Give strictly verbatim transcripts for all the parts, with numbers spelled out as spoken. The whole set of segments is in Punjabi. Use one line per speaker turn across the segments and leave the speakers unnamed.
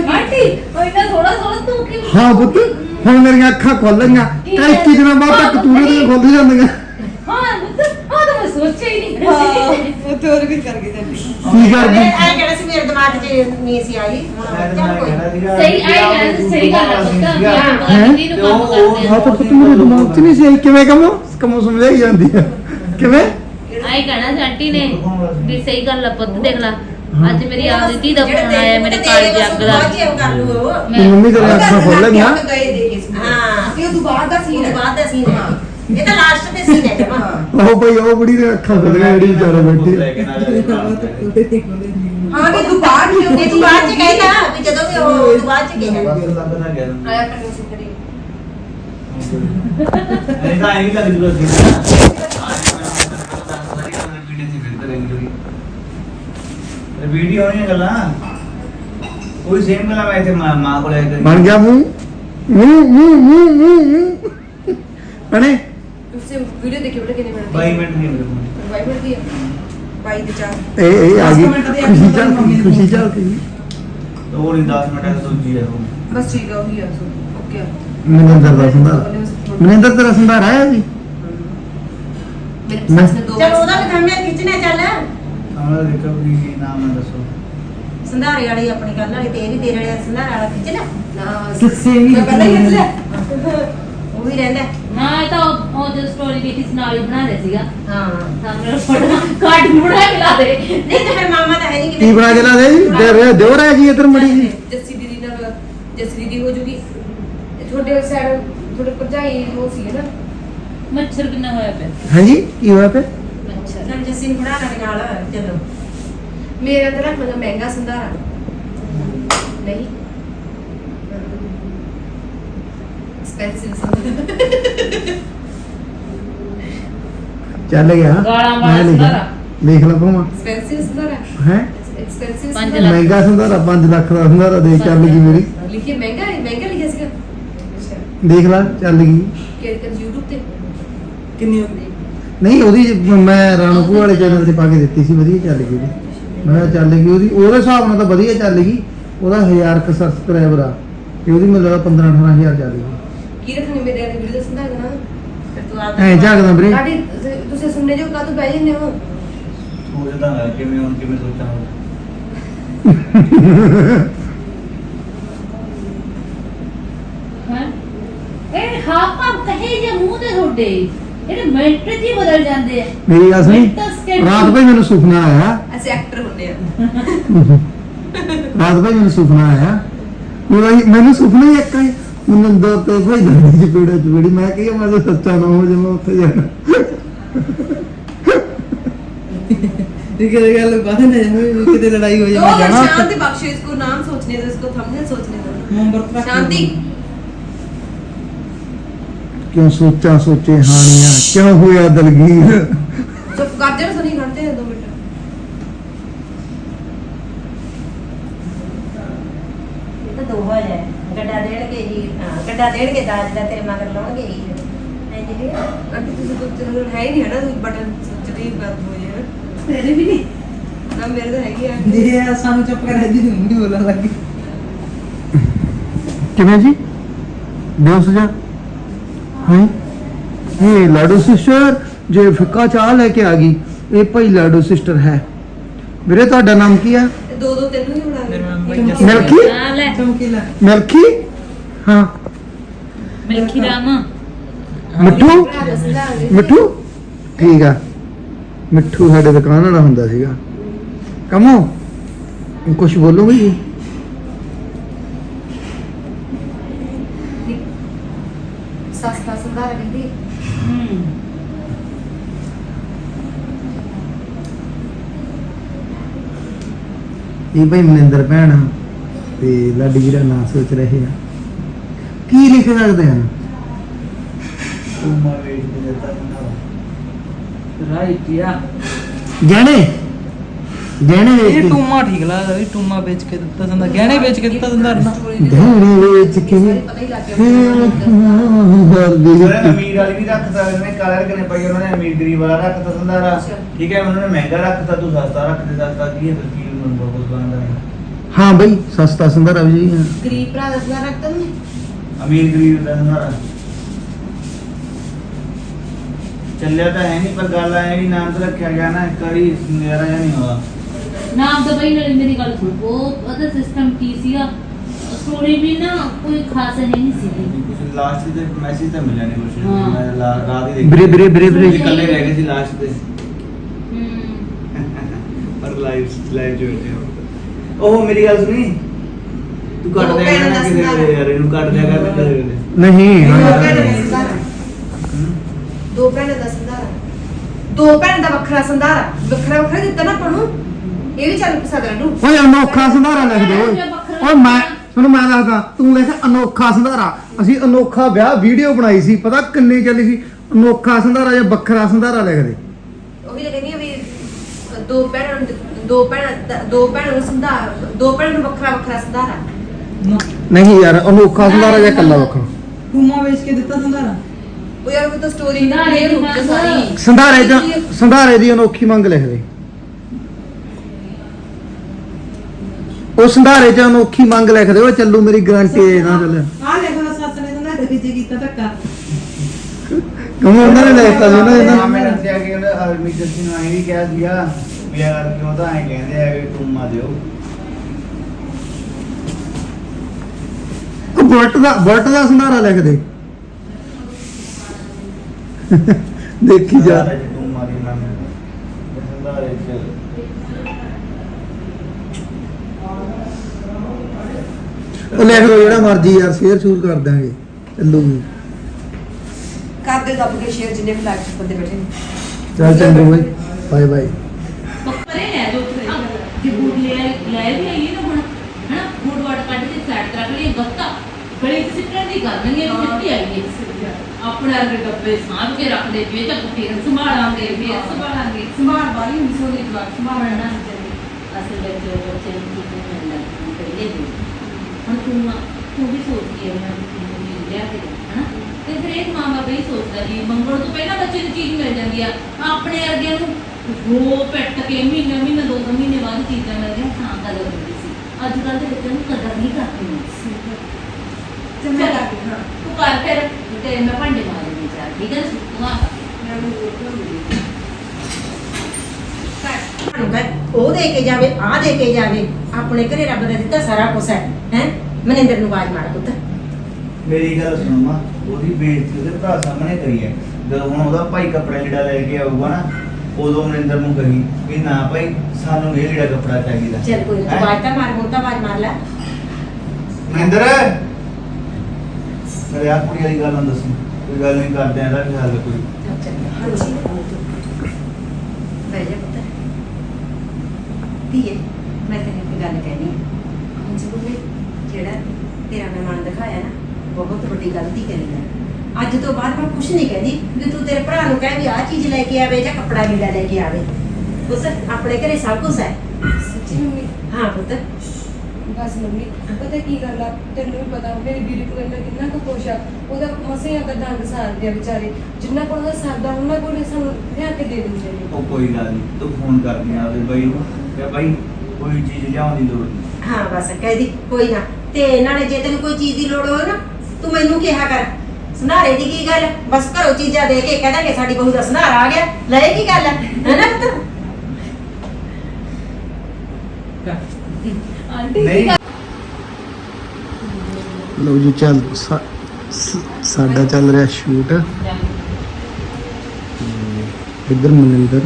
ਆਂਟੀ ਉਹ ਇੰਨਾ ਥੋੜਾ ਥੋੜਾ ਤੂੰ ਕਿ
ਹਾਂ ਪੁੱਤ ਹੁਣ ਮੇਰੀਆਂ ਅੱਖਾਂ ਖੁੱਲ ਗਈਆਂ ਕਈ ਇੱਕੀ ਦਿਨਾਂ ਬਾਅਦ ਤੱਕ ਤੂਰੇ ਦੀਆਂ ਖੁੱਲ ਜਾਂਦੀਆਂ
ਹਾਂ ਪੁੱਤ ਆ ਤਾਂ ਮੈਂ ਸੋਚਿਆ ਹੀ ਨਹੀਂ
ਉਹ ਤੇ ਹੋਰ ਵੀ ਕਰ ਗਈ ਜਾਂਦੀ
ਕੀ ਕਰਦੀ
ਐ ਕਿਹੜਾ ਸੀ ਮੇਰੇ ਦਿਮਾਗ 'ਚ ਨਹੀਂ ਸੀ ਆਈ ਹੁਣ ਚੱਲ ਕੋਈ
ਸਹੀ ਆਈ ਗੱਲ ਸਹੀ ਗੱਲ ਆ ਪੁੱਤ ਦੀਦੀ ਨੂੰ ਕੰਮ ਕਰਦੇ
ਹਾਂ ਤਾਂ ਪੁੱਤ ਮੇਰੇ ਦਿਮਾਗ 'ਚ ਨਹੀਂ ਸੀ ਆਈ, ਕਿਵੇਂ ਕਮੋ ਕਮੋ ਸਮਝਾਈ ਜਾਂਦੀ ਆ ਕਿਵੇਂ
ਆਈ ਕਹਿਣਾ ਸੀ ਆਂਟੀ ਨੇ ਵੀ ਸਹੀ ਗੱਲ ਆ ਪੁੱਤ ਦੇਖ ਲੈ ਅੱਜ ਮੇਰੀ ਆਪਦੀ ਧੀ ਦਾ ਫੋਨ ਆਇਆ ਮੇਰੇ ਕਾਲ ਦੀ ਅੱਗ ਦਾ
ਕਰ ਲੂ ਉਹ
ਤੇ ਮੰਮੀ ਤੇਰੀਆਂ ਅੱਖਾਂ ਖੁੱਲ ਗਈਆਂ
ਗਏ ਦੇ ਕੇ
ਹਾਂ
ਇਹ ਤੋਂ ਬਾਅਦ ਦਾ ਸੀਨ
ਇਹ
ਹੈ
ਬਾਅਦ ਦਾ ਸੀਨ ਹੈ ਇਹ ਤਾਂ ਲਾਸਟ ਤੇ ਸੀਨ ਹੈ ਜਮਾ
ਉਹ ਭਈ ਉਹ ਬੁੜੀ ਦੀਆਂ ਅੱਖਾਂ ਖੁੱਲ ਗਈਆਂ ਜਿਹੜੀ ਵਿਚਾਰਾ ਬੈਠੀ
ਲੈ ਕੇ ਨਾਲ
ਹਾਂ ਵੀ ਤੂੰ ਬਾਹਰ ਕਿਉਂ
ਇਹ ਤੂੰ ਬਾਅਦ 'ਚ ਕਹਿਤਾ ਵੀ ਜਦੋਂ ਵੀ ਉਹ ਤੂੰ ਬਾਅਦ 'ਚ ਗਿਆ
ਲੱਗ ਨਾ ਗਿਆ
ਆਇਆ ਕੰਨੂ ਸੁੰਦਰੀ
ਨਹੀਂ ਤਾਂ ਐਂ ਲੱਗ ਜੂਗਾ ਸੀ ਨਾ ਵੀਡੀਓ ਨਹੀਂ ਗੱਲਾਂ ਕੋਈ ਸੇਮ ਗੱਲਾਂ ਮੈਂ ਇੱਥੇ ਮਾਂ ਮਾਂ ਕੋਲ ਆਇਆ ਕਰੀ
ਬਣ ਗਿਆ ਮੂੰਹ ਮੂੰਹ ਮੂੰਹ ਮੂੰਹ ਮੂੰਹ ਅਣੇ
ਤੁਸੀਂ ਵੀਡੀਓ ਦੇਖੀ ਬੜੇ ਕਿੰਨੇ ਮਿੰਟ
ਬਾਈ ਮਿੰਟ ਨਹੀਂ ਮੇਰੇ ਕੋਲ
ਬਾਈ ਮਿੰਟ ਦੀ ਹੈ ਬਾਈ ਦੇ ਚਾਰ
ਇਹ ਇਹ ਆ ਗਈ ਖੁਸ਼ੀ ਚੱਲ ਖੁਸ਼ੀ ਚੱਲ ਗਈ
ਉਹ ਨਹੀਂ ਦਸ ਮਿੰਟ ਹੈ ਸੋਚੀ ਹੈ ਉਹ
ਬਸ ਠੀਕ ਹੈ ਉਹੀ ਆ ਸੋ ਓਕੇ
ਮਨਿੰਦਰ ਦਾ ਸੰਧਾਰਾ ਮਨਿੰਦਰ ਤੇਰਾ ਸੰਧਾਰਾ ਆਇਆ ਜੀ
ਮੇਰੇ ਸੱਸ ਨੇ ਦੋ
ਚਲ ਉਹਦਾ ਵੀ ਥੰਮੇ ਖਿੱਚਣਾ ਚੱਲ
ਹਮਾਰਾ ਦੇਖੋ ਕੀ ਨਾਮ ਹੈ ਦੱਸੋ
ਸੰਧਾਰੇ ਵਾਲੀ ਆਪਣੀ ਗੱਲ ਵਾਲੀ ਤੇ ਇਹ ਵੀ ਤੇਰੇ ਵਾਲਾ ਸੰਧਾਰਾ ਵਾਲਾ ਖਿੱਚ ਲੈ
ਨਾ
ਕਿਸੇ ਵੀ
ਮੈਂ ਪਹਿਲਾਂ ਹੀ ਖਿੱਚ ਲਿਆ
ਉਹ ਵੀ ਰਹਿੰਦਾ
ਨਾ ਇਹ ਤਾਂ ਉਹ- ਉਹ ਜੋ ਸਟੋਰੀ ਦੇਖੀ ਸੀ ਨਾਲ ਹੀ ਬਣਾ ਰਿਹਾ ਸੀਗਾ
ਹਾਂ
ਸਾਹਮਣੇ ਫੋਟੋ ਕਾਰਡ ਬਣਾ ਕੇ ਲਾ ਦੇ
ਨਹੀਂ ਤੇ ਫਿਰ ਮਾਮਾ ਤਾਂ ਹੈ ਨਹੀਂ
ਕੀ ਬਣਾ ਕੇ ਲਾ ਦੇ ਜੀ ਦੇ ਦਿਓ ਰਹਿ ਜੀ ਇਧਰ ਮੜੀ ਜੀ
ਜੱਸੀ ਦੀਦੀ ਨਾਲ ਜੱਸੀ ਦੀਦੀ ਹੋ ਜੂਗੀ ਤੁਹਾਡੇ ਸਾਈਡ ਤੁਹਾਡੇ ਭਰਜਾਈ ਉਹ ਸੀ ਨਾ
ਮੱਛਰ ਕਿੰਨਾ ਹੋਇਆ ਪਿਆ
ਹਾਂਜੀ ਕੀ ਹੋਇਆ ਪੇ
ਮੱਛਰ
ਚੱਲ ਜੱਸੀ ਨੂੰ ਬਣਾ ਲੈ ਨਾਲ ਚਲੋ
ਮੇਰਾ ਤਾਂ ਰੱਖ ਲਗਾ ਮਹਿੰਗਾ ਸੰਧਾਰਾ ਨਹੀਂ ਐਕਸਪੈਂਸਿਵ ਸੰਧਾਰਾ
ਚੱਲ ਗਿਆ
ਗਾਲਾਂ ਵਾਲਾ
ਮੈਂ ਲਿਖਿਆ।
ਸੰਧਾਰਾ।
ਦੇਖ ਲਾ ਭਾਵਾਂ
ਐਕਸਪੈਂਸਿਵ ਸੰਧਾਰਾ
ਹੈ
ਐਕਸਪੈਂਸਿਵ
ਪੰਜ
ਸੰਧਾਰਾ
ਮਹਿੰਗਾ ਸੰਧਾਰਾ ਪੰਜ ਲੱਖ ਦਾ ਸੰਧਾਰਾ ਦੇਖ ਚੱਲ ਗਈ ਮੇਰੀ
ਲਿਖੀ ਮਹਿੰਗਾ ਹੈ ਮਹਿੰਗਾ ਲਿਖਿਆ ਸੀਗਾ ਅੱਛਾ
ਦੇਖ ਲਾ ਚੱਲ ਗਈ
ਕਿ ਕਿ YouTube ਤੇ
ਕਿੰਨੀ ਨਹੀਂ ਉਹਦੀ ਮੈਂ ਰਾਣੂਪੂ ਵਾਲੇ ਚੈਨਲ ਤੇ ਪਾ ਕੇ ਦਿੱਤੀ ਸੀ ਵਧੀਆ ਚੱਲ ਗਈ ਉਹਦੀ ਮੈਂ ਕਿਹਾ ਚੱਲ ਗਈ ਉਹਦੀ ਉਹਦੇ ਹਿਸਾਬ ਨਾਲ ਤਾਂ ਵਧੀਆ ਚੱਲ ਗਈ ਉਹਦਾ ਹਜ਼ਾਰ ਕ ਸਬਸਕ੍ਰਾਈਬਰ ਆ ਤੇ ਉਹਦੀ ਮੈਨੂੰ ਲੱਗਦਾ ਪੰਦਰਾਂ ਅਠਾਰਾਂ ਹਜ਼ਾਰ ਚੱਲ ਗਈ
ਕੀ ਰੱਖਣੀ ਮੇਰੇ ਵਾਲੀ ਵੀਡੀਓ ਦਾ ਸੰਧਾਰਾ ਨਾ
ਫਿਰ ਤੂੰ ਆਪ
ਐ ਝਾਕਦਾ ਵੀਰੇ
ਤੁਹਾਡੀ ਤੁਸੀਂ ਸੁਣਨੇ ਜੋ ਕਾਹਤੋਂ ਬਹਿ ਜਾਂਦੇ ਹੋ
ਸੋਚਦਾ ਹਾਂ ਕਿਵੇਂ ਹੁਣ ਕਿਵੇਂ ਸੋਚਾਂ ਹੁਣ
ਹਾਂ ਇਹ ਹਾਪਾ ਕਹੇ ਜੇ ਮੂੰਹ ਤੇ ਤੁਹਾਡੇ ਇਹਨੇ ਮਿੰਟ ਜੀ ਬਦਲ ਜਾਂਦੇ ਆ
ਮੇਰੀ ਗੱਲ ਸੁਣੀ
ਮਿੰਟ second
ਰਾਤ ਭਾਈ ਮੈਨੂੰ ਸੁਪਨਾ ਆਇਆ
ਅਸੀਂ ਐਕਟਰ ਹੁੰਦੇ ਆ
ਰਾਤ ਭਾਈ ਮੈਨੂੰ ਸੁਪਨਾ ਆਇਆ ਮੈਨੂੰ ਮੈਨੂੰ ਸੁਪਨਾ ਹੀ ਇੱਕ ਆਇਆ ਮੈਨੂੰ ਅੰਦਰ ਤੇ ਭਾਈ ਦੰਦੀ ਚ ਪੀੜਾ ਚ ਪੀੜੀ ਮੈਂ ਕਿਹਾ ਮੈਂ ਤਾਂ ਸੱਚਾ ਨਾ ਹੋ ਜੇ ਮੈਂ ਉੱਥੇ ਜਾਣਾ
ठीक है गल बात है कितने लड़ाई हो
तो
जाए जाना
शांति बख्शो इसको नाम सोचने दो इसको थंबनेल सोचने दो
मोहब्बत
शांति
क्यों सोचा सोचे हानिया क्यों हुआ दलगीर
चुप कर जाओ सुनी करते हैं दो मिनट
ਇਹ ਤਾਂ ਦੋ ਹੋ ਜਾਏ ਗੱਡਾ ਦੇਣਗੇ ਹੀ ਹਾਂ ਗੱਡਾ ਦੇਣਗੇ ਦਾਜ ਦਾ ਤੇਰੇ ਮਗਰ ਲਾਉਣਗੇ ਹੀ ਐਂ ਜੀ
आंटी तुझे तो चैनल है ही नहीं है ना तू बटन जरूर कर दो ये
ਤੇਰੇ ਵੀ ਨਹੀਂ
ना मेरे तो है ही है
ये सानू चुप कर दी नहीं बोलने लगी
किवें जी दियो सुझा हां ये लाडो सिस्टर जे फिक्का चाह लेके आ गई ये भाई लाडो सिस्टर है ਵੀਰੇ ਤੁਹਾਡਾ ਨਾਮ ਕੀ ਆ
दो दो तेनू ही बना
मेरे में
ले
भाई जैसे
मिल्की
ਆ ਲੈ
चमकीला
ਮਿਲਕੀ ਹਾਂ
ਮਿਲਖੀ ਰਾਮ
ਮਿੱਠੂ
दसदा
ਮਿੱਠੂ ਠੀਕ ਆ ਮਿੱਠੂ ਸਾਡੇ ਦੁਕਾਨ ਵਾਲਾ ਹੁੰਦਾ ਸੀਗਾ ਕਮੋ ਕੁਝ ਬੋਲੋਗੇ ਜੀ
सस्ता संधारा कहती
ਹੂੰ
ਇਹ ਭਾਈ ਮਨਿੰਦਰ ਭੈਣ ਤੇ ਲਾਡੀ ਵੀਰਾ ਨਾਂ ਸੋਚ ਰਹੇ ਆ ਕੀ ਲਿਖ ਸਕਦੇ ਆ
ਤੂੰ ਮਾ ਵੇਚ ਕੇ ਦਿੱਤਾ ਨਾ
राइट या
ਗਹਿਣੇ ਗਹਿਣੇ ਵੇਚ
ये
ਕੇ
टूमा ठीक लगा ये टूमा बेच के दिता संदा गहने बेच के दिता संदा ना
ਗਹਿਣੇ ਵੇਚ ਕੇ
पता ही लग गया
ਉਹਨਾਂ ਨੇ ਅਮੀਰ ਵਾਲੀ ਵੀ ਰੱਖਤਾ ਉਹਨੇ ਕਾਲਾ ਰੰਗ ਨੇ ਪਾਈ ਉਹਨਾਂ ਨੇ ਅਮੀਰ ਗਰੀਬ ਵਾਲਾ ਰੱਖਤਾ ਸੰਦਾਰਾ
ਅੱਛਾ।
ਠੀਕ ਹੈ ਉਹਨਾਂ ਨੇ ਮਹਿੰਗਾ ਰੱਖਤਾ ਤੂੰ ਸਸਤਾ ਰੱਖ ਦੇ ਸਸਤਾ ਕੀ ਹੈ ਫਿਰ ਕੀ ਮੈਨੂੰ ਬਹੁਤ ਬਣਦਾ ਹੈ
ਹਾਂ ਬਈ ਸਸਤਾ ਸੰਧਾਰਾ ਵੀ ਜੀ।
ਗਰੀਬ ਭਰਾ ਦਾ ਸੰਧਾਰਾ ਰੱਖਤਾ ਤੂੰ
ਅਮੀਰ ਗਰੀਬ ਦਾ ਸਾਰਾ ਚੱਲਿਆ ਤਾਂ ਹੈ ਨਹੀਂ, ਪਰ ਗੱਲ ਆਏ ਵੀ ਨਾਮ ਤਾਂ ਰੱਖਿਆ ਗਿਆ ਨਾ, ਇੱਕ ਵਾਰੀ ਨਜ਼ਾਰਾ ਜਿਹਾ ਨਹੀਂ ਹੋਇਆ।
ਨਾਮ ਤਾਂ ਬਈ ਨਾਲ ਮੇਰੀ ਗੱਲ ਸੁਣ, ਉਹ ਉਹਦਾ ਸਿਸਟਮ ਕੀ ਸੀਗਾ, ਸਟੋਰੀ ਵੀ ਨਾ ਕੋਈ ਖਾਸ ਹੈ ਨਹੀਂ ਸੀ।
ਕੁਝ ਲਾਸਟ ਤੇ ਮੈਸੇਜ ਤਾਂ ਮਿਲਿਆ ਨਹੀਂ ਕੁਝ,
ਹਾਂ।
ਮੈਂ ਲਾ- ਰਾਤ ਹੀ ਦੇਖੀ
ਬਰੇ ਬਰੇ ਬਰੇ ਬਰੇ
ਇਕੱਲੇ ਰਹਿ ਗਏ ਸੀ ਲਾਸਟ ਤੇ,
ਹੂੰ
ਪਰ ਲਾਈਵ ਲਾਈਵ ਜੁੜੇ ਉਹ ਮੇਰੀ ਗੱਲ ਸੁਣੀ, ਤੂੰ ਕੱਟ
ਦੋ
ਦਿਆ
ਭੈਣਾਂ
ਕਰ
ਦਾ
ਨਾ ਕਿਤੇ
ਸੰਧਾਰਾ।
ਯਾਰ, ਇਹਨੂੰ ਕੱਟ ਦਿਆ ਕਰ ਕਦੇ ਵੇਲੇ।
ਨਹੀਂ
ਦੋ
ਹਾਂ
ਭੈਣਾਂ ਦਾ ਸੰਧਾਰਾ ਦੋ ਭੈਣਾਂ ਦਾ ਸੰਧਾਰਾ ਦੋ ਭੈਣਾਂ ਦਾ ਵੱਖਰਾ ਸੰਧਾਰਾ ਵੱਖਰਾ ਵੱਖਰਾ ਦਿੱਤਾ ਨਾ ਆਪਾਂ ਨੂੰ, ਇਹ ਵੀ ਚੱਲ ਸਕਦਾ ਲੱਡੂ।
ਓਏ ਅਨੋਖਾ ਸੰਧਾਰਾ ਲਿਖ ਦੇ ਓਏ। ਓਏ ਮੈਂ ਤੁਹਾਨੂੰ ਮੈਂ ਦੱਸਦਾ, ਤੂੰ ਲਿਖ ਅਨੋਖਾ ਸੰਧਾਰਾ। ਅਸੀਂ ਅਨੋਖਾ ਵਿਆਹ ਵੀਡੀਓ ਬਣਾਈ ਸੀ, ਪਤਾ ਕਿੰਨੀ ਚੱਲੀ ਸੀ। ਅਨੋਖਾ ਸੰਧਾਰਾ ਜਾਂ ਵੱਖਰਾ ਸੰਧਾਰਾ ਲਿਖ ਦੇ।
ਉਹ ਵੀ ਕਹਿੰਦੀ ਆ ਵੀ ਦੋ ਭੈਣਾਂ ਨੂੰ ਦੋ ਭੈਣਾਂ ਦਾ- ਦੋ ਭੈਣਾਂ ਨੂੰ ਸੰਧਾਰਾ, ਦੋ ਭੈਣਾਂ ਨੂੰ ਵੱਖਰਾ ਵੱਖਰਾ ਸੰਧਾਰਾ।
ਨਹੀਂ ਯਾਰ ਅਨੋਖਾ ਸੰਧਾਰਾ ਜਾਂ ਇਕੱਲਾ ਵੱਖਰਾ।
ਟੂਮਾ ਵੇਚ ਕੇ ਦਿੱਤਾ ਸੰਧਾਰਾ।
ਉਹ ਯਾਰ ਉਹ ਤਾਂ ਸਟੋਰੀ
ਸੰਧਾਰੇ
ਕਲੀਅਰ ਹੋ
ਦੀ
ਗਈ
ਮੰਗ।
ਸਾਰੀ।
ਸੰਧਾਰੇ ਚ ਸੰਧਾਰੇ ਦੀ ਅਨੋਖੀ ਮੰਗ ਲਿਖ ਦੇ। ਉਹ ਸੰਧਾਰੇ ਚ ਅਨੋਖੀ ਮੰਗ ਲਿਖ ਦੇ। ਉਹ ਚੱਲੂ, ਮੇਰੀ ਗਾਰੰਟੀ ਹੈ ਨਾ ਚੱਲ।
ਆ ਦੇਖੋ ਸੱਸ ਨੇ ਸੰਧਾਰੇ ਦੇ ਵਿੱਚ ਕੀਤਾ ਧੱਕਾ।
ਕਿਉਂ ਉਹਨਾਂ ਨੇ ਲਿਖਤਾ ਸੀ ਨਾ
ਹਾਂ, ਮੈਂ
ਇਹਨਾਂ।
ਦੱਸਿਆ ਕਿ ਉਹਨੇ ਆਰਮੀ ਜੱਸੀ ਨੂੰ ਆਈ ਵੀ ਕਿਹਾ ਸੀਗਾ ਵੀ ਯਾਰ ਕਿਉਂ ਤਾਂ ਐਂ ਕਹਿੰਦੇ ਆ ਵੀ ਟੂਮਾ ਦਿਓ।
ਉਹ ਬੁਲਟ ਦਾ ਬੁਲਟ ਦਾ ਸੰਧਾਰਾ ਲਿਖ ਦੇ। ਦੇਖੀ ਜਾ।
ਸੰਧਾਰੇ ਚ ਟੂਮਾ ਦੀ ਮੰਗ, ਸੰਧਾਰੇ ਚ
ਉਹ ਲਿਖ ਲਓ ਜਿਹੜਾ ਮਰਜੀ ਯਾਰ, ਸ਼ੇਅਰ ਸ਼ੂਰ ਕਰ ਦਾਂਗੇ, ਚੱਲੂਗੀ।
ਕਰਦੇ ਦੱਬ ਕੇ ਸ਼ੇਅਰ ਜਿੰਨੇ ਵੀ ਲਾਈਕ ਬੰਦੇ ਬੈਠੇ ਨੇ।
ਚੱਲ ਚੰਗਾ ਬਾਈ, ਬਾਏ ਬਾਏ।
ਪਰੇ ਲੈ ਜੋ ਕਿ ਬੂਟ ਲੈ ਲੈ ਵੀ ਆਈਏ ਨਾ ਹੁਣ, ਹਨਾ ਬੂਟ ਵਾਟ ਕੱਢ ਕੇ ਸਾਈਡ ਤੇ ਰੱਖ ਲਈਏ, ਗੱਤਾ ਬੜੀ ਸਿੱਟਣ ਦੀ ਕਰ ਲੈਂਗੇ, ਸਿੱਟੀ ਆਈਏ ਆਪਣਾ ਅਰਗੇ ਡੱਬੇ ਸਾਂਭ ਕੇ ਰੱਖ ਦੇ, ਜੇ ਤਾਂ ਫੇਰ ਸੰਭਾਲਾਂਗੇ, ਫੇਰ ਸੰਭਾਲਾਂਗੇ।
ਸੰਭਾਲ ਵਾਲੀ ਹੁੰਦੀ ਸੋਨੀ ਜਵਾਬ
ਸੰਭਾਲਣਾ ਅਸਲ ਵਿੱਚ ਬੱਚੇ ਨੂੰ ਕੀ ਕਹਿਣ ਲੱਗ ਪਹਿਲੇ ਦਿਨ ਹੁਣ ਤੂੰ ਤੂੰ ਵੀ ਸੋਚਦੀ ਹੈ ਮੈਂ ਚੀਜ਼ ਲਿਆ ਕੇ ਹਨਾ, ਤੇ ਫਿਰ ਇਹ ਮਾਂ ਬਾਪ ਹੀ ਸੋਚਦਾ ਜੀ ਮੰਗਣ ਤੋਂ ਪਹਿਲਾਂ ਬੱਚੇ ਨੂੰ ਚੀਜ਼ ਮਿਲ ਜਾਂਦੀ ਆ, ਆਪਣੇ ਅਰਗੇ ਨੂੰ ਰੋ ਪੈਟ ਕੇ ਮਹੀਨੇ ਮਹੀਨੇ ਦੋ ਦੋ ਮਹੀਨੇ ਬਾਅਦ ਚੀਜ਼ਾਂ ਮਿਲਦੀਆਂ, ਤਾਂ ਕਦਰ ਹੁੰਦੀ ਸੀ। ਅੱਜ ਕੱਲ੍ਹ ਦੇ ਬੱਚਿਆਂ ਨੂੰ ਕਦਰ ਨਹੀਂ ਕਰਦੇ
ਚੰਗਾ ਲੱਗੇ ਹਾਂ
ਤੂੰ ਕਰ ਫਿਰ ਤੇ ਮੈਂ ਭਾਂਡੇ ਮਾਰੂੰਗੀ ਚਾਰ, ਠੀਕ ਹੈ ਨਾ ਤੂੰ ਆ
ਮੈਂ ਉਹ ਕਰੂੰਗੀ।
ਸਾਨੂੰ ਕਹਿ, ਉਹ ਦੇ ਕੇ ਜਾਵੇ, ਆਹ ਦੇ ਕੇ ਜਾਵੇ। ਆਪਣੇ ਘਰੇ ਰੱਬ ਨੇ ਦਿੱਤਾ ਸਾਰਾ ਕੁਝ ਹੈ ਹੈ ਮਨਿੰਦਰ ਨੂੰ ਆਵਾਜ਼ ਮਾਰ ਪੁੱਤ।
ਮੇਰੀ ਗੱਲ ਸੁਣੋ ਮਾਂ, ਉਹਦੀ ਬੇਇੱਜ਼ਤੀ ਉਹਦੇ ਭਰਾ ਸਾਹਮਣੇ ਕਰੀ ਹੈ। ਜਦੋਂ ਹੁਣ ਉਹਦਾ ਭਾਈ ਕੱਪੜਾ ਲੀੜਾ ਲੈ ਕੇ ਆਊਗਾ ਨਾ, ਉਦੋਂ ਮਨਿੰਦਰ ਨੂੰ ਕਹੀ ਵੀ ਨਾ ਭਾਈ ਸਾਨੂੰ ਇਹ ਲੀੜਾ ਕੱਪੜਾ ਚਾਹੀਦਾ।
ਚੱਲ ਕੋਈ ਨੀ, ਤੂੰ ਆਵਾਜ਼ ਤਾਂ ਮਾਰ, ਹੁਣ ਤਾਂ ਆਵਾਜ਼ ਮਾਰ ਲੈ।
ਮਨਿੰਦਰ ਮੇਰੇ ਆ ਕੁੜੀ ਵਾਲੀ ਗੱਲ ਨਾ ਦੱਸੀ, ਕੋਈ ਗੱਲ ਨਹੀਂ ਕਰਦੇ ਆਂ, ਇਹਦਾ ਵੀ ਹੱਲ ਕੋਈ।
ਚੱਲ ਚੰਗਾ। ਹਾਂਜੀ ਬਹਿ ਜਾ ਪੁੱਤ। ਧੀਏ, ਮੈਂ ਤੈਨੂੰ ਇੱਕ ਗੱਲ ਕਹਿਣੀ ਹੈ। ਹਾਂਜੀ ਬੋਲੇ, ਜਿਹੜਾ ਤੇਰਾ ਮੈਂ ਮਨ ਦਿਖਾਇਆ ਨਾ, ਬਹੁਤ ਵੱਡੀ ਗਲਤੀ ਕਰੀ ਹੈ। ਅੱਜ ਤੋਂ ਬਾਅਦ ਮੈਂ ਕੁਛ ਨਹੀਂ ਕਹਿੰਦੀ ਵੀ ਤੂੰ ਤੇਰੇ ਭਰਾ ਨੂੰ ਕਹਿ ਵੀ ਆਹ ਚੀਜ਼ ਲੈ ਕੇ ਆਵੇ ਜਾਂ ਕੱਪੜਾ ਲੀੜਾ ਲੈ ਕੇ ਆਵੇ। ਪੁੱਤ ਆਪਣੇ ਘਰੇ ਸਭ ਕੁਝ ਹੈ।
ਸੱਚੀ ਮੰਮੀ
ਹਾਂ ਪੁੱਤ।
ਬਸ ਮੰਮੀ ਪਤਾ ਕੀ ਗੱਲ ਆ, ਤੈਨੂੰ ਵੀ ਪਤਾ ਮੇਰੀ ਵੀਰ ਕੋਲ ਇੰਨਾ ਕਿੰਨਾ ਕੁ ਖੁਸ਼ ਆ, ਉਹਦਾ ਮਸੇ ਦਾ ਡੰਗ ਸਾਰਦੇ ਆ ਵਿਚਾਰੇ, ਜਿੰਨਾ ਕੋਲ ਉਹਦਾ ਸਰਦਾ ਉਹਨਾਂ ਕੋਲ ਸਾਨੂੰ ਲਿਆ ਕੇ ਦੇ ਦਿੰਦੇ ਨੇ।
ਉਹ ਕੋਈ ਗੱਲ ਨਹੀਂ, ਤੂੰ ਫੋਨ ਕਰਦੀ ਆ ਉਹਦੇ ਬਾਈ ਨੂੰ ਕਿ ਬਾਈ ਕੋਈ ਚੀਜ਼ ਲਿਆਉਣ ਦੀ ਲੋੜ ਨਹੀਂ।
ਹਾਂ ਬਸ ਕਹਿਦੀ ਕੋਈ ਨਾ। ਤੇ ਨਾਲੇ ਜੇ ਤੈਨੂੰ ਕੋਈ ਚੀਜ਼ ਦੀ ਲੋੜ ਹੋਵੇ ਨਾ, ਤੂੰ ਮੈਨੂੰ ਕਿਹਾ ਕਰ। ਸੰਧਾਰੇ ਦੀ ਕੀ ਗੱਲ, ਬਸ ਘਰੋਂ ਚੀਜ਼ਾਂ ਦੇ ਕੇ ਕਹਿ ਦਾਂਗੇ ਸਾਡੀ ਬਹੂ ਦਾ ਸੰਧਾਰਾ ਆ ਗਿਆ, ਲੈ ਇਹ ਕੀ ਗੱਲ ਹੈ ਹੈਨਾ ਪੁੱਤ।
ਆਂਟੀ
ਨਹੀਂ
ਲਓ ਜੀ, ਚੱਲ ਸਾ- ਸ- ਸਾਡਾ ਚੱਲ ਰਿਹਾ ਸ਼ੂਟ। ਇੱਧਰ ਮਨਿੰਦਰ,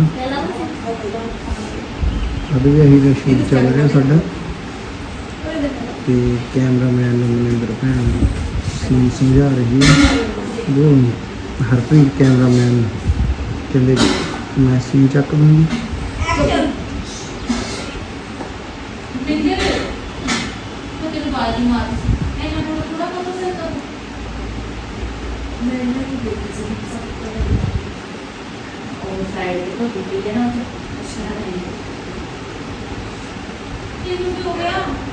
ਅਭੀ ਵੀ ਇਹੀ ਦਾ ਸ਼ੂਟ ਚੱਲ ਰਿਹਾ ਸਾਡਾ। ਤੇ ਕੈਮਰਾਮੈਨ ਨੂੰ ਮਨਿੰਦਰ ਭੈਣ ਸੀਨ ਸਮਝਾ ਰਹੀ ਹੈ। ਉਹ ਹਰਪ੍ਰੀਤ ਕੈਮਰਾਮੈਨ ਕਹਿੰਦੇ ਮੈਂ ਸੀਨ ਚੱਕ ਦੂੰਗੀ।
ਬਿੰਦਰ ਮੈਂ ਤੈਨੂੰ ਬਾਜੀ ਮਾਰ ਇਹਨਾਂ ਨੂੰ ਥੋੜਾ ਬਹੁਤ ਸੇ ਕਰ
ਮੈਂ ਇਹਨਾਂ ਨੂੰ ਦੇਖੀ ਸੀ ਸਭ ਤੋਂ ਪਹਿਲਾਂ।
ਉਹ ਸਾਈਡ ਤੇ ਕੋਈ ਵੀ ਨਾ ਅੱਛਾ ਨਹੀਂ ਇਹ ਕੀ ਹੋ ਗਿਆ